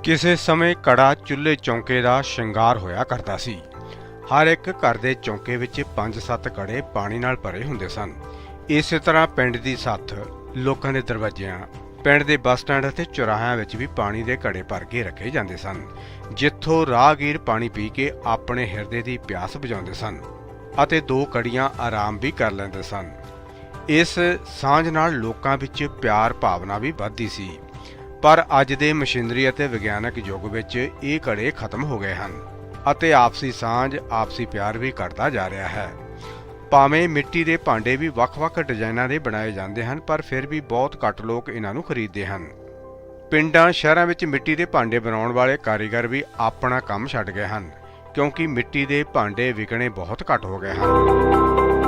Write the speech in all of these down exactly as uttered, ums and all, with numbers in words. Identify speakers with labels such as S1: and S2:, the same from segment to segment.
S1: ਕਿਸੇ ਸਮੇਂ ਕੜਾ ਚੁੱਲ੍ਹੇ ਚੌਂਕੇ ਦਾ ਸ਼ਿੰਗਾਰ ਹੋਇਆ ਕਰਦਾ ਸੀ। ਹਰ ਇੱਕ ਘਰ ਦੇ ਚੌਂਕੇ ਵਿੱਚ ਪੰਜ ਸੱਤ ਕੜੇ ਪਾਣੀ ਨਾਲ ਭਰੇ ਹੁੰਦੇ ਸਨ। ਇਸੇ ਤਰ੍ਹਾਂ ਪਿੰਡ ਦੀ ਸੱਥ, ਲੋਕਾਂ ਦੇ ਦਰਵਾਜ਼ਿਆਂ, ਪਿੰਡ ਦੇ ਬੱਸ ਸਟੈਂਡ ਅਤੇ ਚੌਰਾਹਿਆਂ ਵਿੱਚ ਵੀ ਪਾਣੀ ਦੇ ਘੜੇ ਭਰ ਕੇ ਰੱਖੇ ਜਾਂਦੇ ਸਨ, ਜਿੱਥੋਂ ਰਾਹਗੀਰ ਪਾਣੀ ਪੀ ਕੇ ਆਪਣੇ ਹਿਰਦੇ ਦੀ ਪਿਆਸ ਬੁਝਾਉਂਦੇ ਸਨ ਅਤੇ ਦੋ ਕੜੀਆਂ ਆਰਾਮ ਵੀ ਕਰ ਲੈਂਦੇ ਸਨ। ਇਸ ਸਾਂਝ ਨਾਲ ਲੋਕਾਂ ਵਿੱਚ ਪਿਆਰ ਭਾਵਨਾ ਵੀ ਵੱਧਦੀ ਸੀ। ਪਰ ਅੱਜ ਦੇ ਮਸ਼ੀਨਰੀ ਅਤੇ ਵਿਗਿਆਨਕ ਯੁੱਗ ਵਿੱਚ ਇਹ ਘੜੇ ਖਤਮ ਹੋ ਗਏ ਹਨ ਅਤੇ ਆਪਸੀ ਸਾਂਝ, ਆਪਸੀ ਪਿਆਰ ਵੀ ਘਟਦਾ ਜਾ ਰਿਹਾ ਹੈ। ਭਾਵੇਂ ਮਿੱਟੀ ਦੇ ਭਾਂਡੇ ਵੀ ਵੱਖ-ਵੱਖ ਡਿਜ਼ਾਈਨਾਂ ਦੇ ਬਣਾਏ ਜਾਂਦੇ ਹਨ, ਪਰ ਫਿਰ ਵੀ ਬਹੁਤ ਘੱਟ ਲੋਕ ਇਹਨਾਂ ਨੂੰ ਖਰੀਦਦੇ ਹਨ। ਪਿੰਡਾਂ ਸ਼ਹਿਰਾਂ ਵਿੱਚ ਮਿੱਟੀ ਦੇ ਭਾਂਡੇ ਬਣਾਉਣ ਵਾਲੇ ਕਾਰੀਗਰ ਵੀ ਆਪਣਾ ਕੰਮ ਛੱਡ ਗਏ ਹਨ, ਕਿਉਂਕਿ ਮਿੱਟੀ ਦੇ ਭਾਂਡੇ ਵਿਕਣੇ ਬਹੁਤ ਘੱਟ ਹੋ ਗਏ ਹਨ।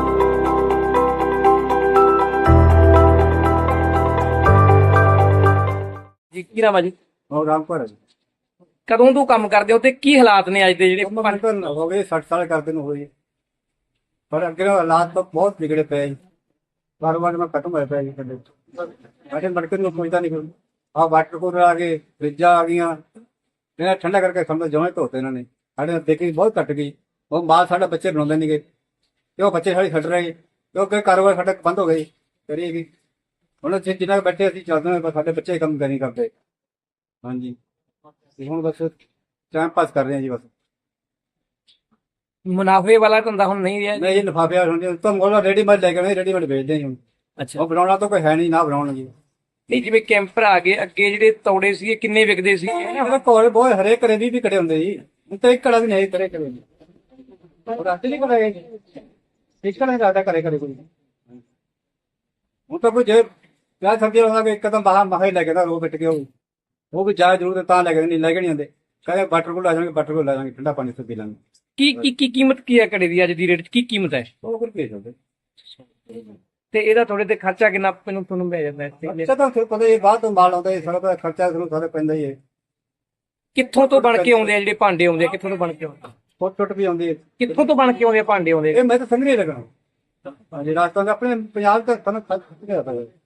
S2: ਜੀ ਕੀ ਨਾਮ ਆ ਜੀ?
S3: और रामपुर है जी।
S2: ਕਦੋਂ ਤੋਂ ਕੰਮ ਕਰਦੇ ਹੋ ਤੇ ਕੀ ਹਾਲਾਤ ਨੇ ਅੱਜ ਦੇ ਜਿਹੜੇ
S3: उम्र तो हो गई सठ साल करते न हो जी। पर अगे हालात तो बहुत बिगड़े पे जी। कारोबार में खत्म होए पे जी। कदे बैठे मटके ਨੂੰ सोचता नहीं फिर आ वाटर कूलर आ गए, फ्रिजा आ गईਆਂ, ਇਹਨਾਂ ਠੰਡਾ ਕਰਕੇ ਸਮਝ ਜਮਾਂ ਧੋਤੇ ਇਹਨਾਂ ਨੇ। ਸਾਡੇ ਦੇਖੀ ਬਹੁਤ ਘਟ ਗਈ। ਉਹ ਮਾਲ ਸਾਡਾ ਬੱਚੇ ਬਣਾਉਂਦੇ ਨਹੀਂਗੇ ਤੇ ਉਹ ਬੱਚੇ ਸਾਡੇ ਛੱਡ ਰਹੇ ਕਿਉਂਕਿ ਕਾਰੋਬਾਰ ਸਾਡਾ ਬੰਦ ਹੋ ਗਈ ਕਰੀਏਗੀ। ਹੁਣ ਅਸੀਂ ਜਿੰਨਾ ਬੈਠੇ ਅਸੀਂ ਚੱਲਦੇ ਹਾਂ, ਸਾਡੇ ਬੱਚੇ ਕੰਮ ਨਹੀਂ ਕਰਦੇ। ਹਾਂਜੀ ਹੁਣ ਬਸ ਟਾਈਮ ਪਾਸ ਕਰ ਰਹੇ ਹਾਂ ਜੀ। ਬਸ
S2: ਮੁਨਾਫੇ ਵਾਲਾ ਧੰਦਾ ਹੁਣ ਨਹੀਂ ਰਿਹਾ?
S3: ਨਹੀਂ ਜੀ, ਲਿਫਾਫੇ ਹੁਣ ਤਾਂ ਮੋਲਾ ਰੈਡੀਮੇਡ ਲੈ ਕੇ ਆਉਂਦੇ, ਰੈਡੀਮੇਡ ਵੇਚਦੇ ਹਾਂ ਜੀ ਹੁਣ।
S2: ਅੱਛਾ,
S3: ਉਹ ਬਣਾਉਣਾ ਤਾਂ ਕੋਈ ਹੈ ਨਹੀਂ, ਨਾ ਬਣਾਉਣ ਜੀ।
S2: ਨਹੀਂ ਜਿਵੇਂ ਕੈਂਪਰ ਆ ਗਏ, ਅੱਗੇ ਜਿਹੜੇ ਤੌੜੇ ਸੀ ਕਿੰਨੇ ਵਿਕਦੇ ਸੀ?
S3: ਇਹਦਾ ਕੋਲ ਬਹੁਤ ਹਰੇਕ ਘਰੇ ਵੀ ਵੀ ਕੜੇ ਹੁੰਦੇ ਜੀ। ਹੁਣ ਤਾਂ ਇੱਕ ਕੜਾ ਵੀ ਨਹੀਂ ਕਰੇ ਕਰੇ ਉਹ ਰਾਤ ਨਹੀਂ ਕਰੇ ਇੱਕ ਕੜਾ ਜ਼ਿਆਦਾ ਕਰੇ ਕਰੇ ਕੋਈ। ਹੁਣ ਤਾਂ ਕੋਈ ਜੇ ਵਿਆਹ ਸਬਜ਼ੀ ਹੋਣਾ ਕਿ ਇੱਕਦਮ ਬਾਹਰ ਮਹਾ ਹੀ ਲੈ ਕੇ ਨਾ ਰੋ ਬਿੱਟ ਕੇ ਉਹ ਉਹ ਵੀ ਜਾ ਜ਼ਰੂਰ ਤਾਂ ਲੈ ਕੇ ਨਹੀਂ ਲੈ ਕੇ ਨਹੀਂ ਆਉਂਦੇ। ਕਹਿੰਦੇ ਵਾਟਰ ਕੋਲ ਆ ਜਾਣਗੇ, ਵਾਟਰ ਕੋਲ ਲੈ ਜਾਣਗੇ, ਠੰਡਾ ਪਾਣੀ ਤੋਂ ਪੀ ਲਾਂਗੇ।
S2: ਕੀ ਕੀ ਕੀ ਕੀਮਤ ਕੀ ਹੈ ਘੜੇ ਦੀ ਅੱਜ ਦੀ ਰੇਟ 'ਚ? ਕੀ ਕੀਮਤ ਹੈ?
S3: ਉਹ ਫਿਰ ਭੇਜ ਦਿੰਦੇ।
S2: ਤੇ ਇਹਦਾ ਥੋੜੇ ਤੇ ਖਰਚਾ ਕਿੰਨਾ ਮੈਨੂੰ ਤੁਹਾਨੂੰ ਪੈ ਜਾਂਦਾ ਇੱਥੇ?
S3: ਅੱਛਾ ਤਾਂ ਫਿਰ ਪਤਾ ਇਹ ਬਾਅਦ ਤੋਂ ਮਾਲ ਆਉਂਦਾ, ਇਹ ਸਾਰਾ ਤਾਂ ਖਰਚਾ ਤੁਹਾਨੂੰ ਸਾਰੇ ਪੈਂਦਾ ਹੀ ਹੈ।
S2: ਕਿੱਥੋਂ ਤੋਂ ਬਣ ਕੇ ਆਉਂਦੇ ਆ ਜਿਹੜੇ ਭਾਂਡੇ ਆਉਂਦੇ ਆ? ਕਿੱਥੋਂ ਤੋਂ ਬਣ ਕੇ ਆਉਂਦੇ?
S3: ਫੁੱਟ ਟੁੱਟ ਵੀ ਆਉਂਦੀ ਹੈ।
S2: ਕਿੱਥੋਂ ਤੋਂ ਬਣ ਕੇ ਆਉਂਦੇ ਆ ਭਾਂਡੇ ਆਉਂਦੇ?
S3: ਇਹ ਮੈਂ ਤਾਂ ਸਮਝ ਨਹੀਂ ਲੱਗਾ। ਹਾਂਜੀ ਰਾਜਸਥਾਨ ਦੇ ਆਪਣੇ ਪੰਜਾਬ ਦਾ ਤੁਹਾਨੂੰ ਖਰਚ ਕਿਹੜਾ ਪਤਾ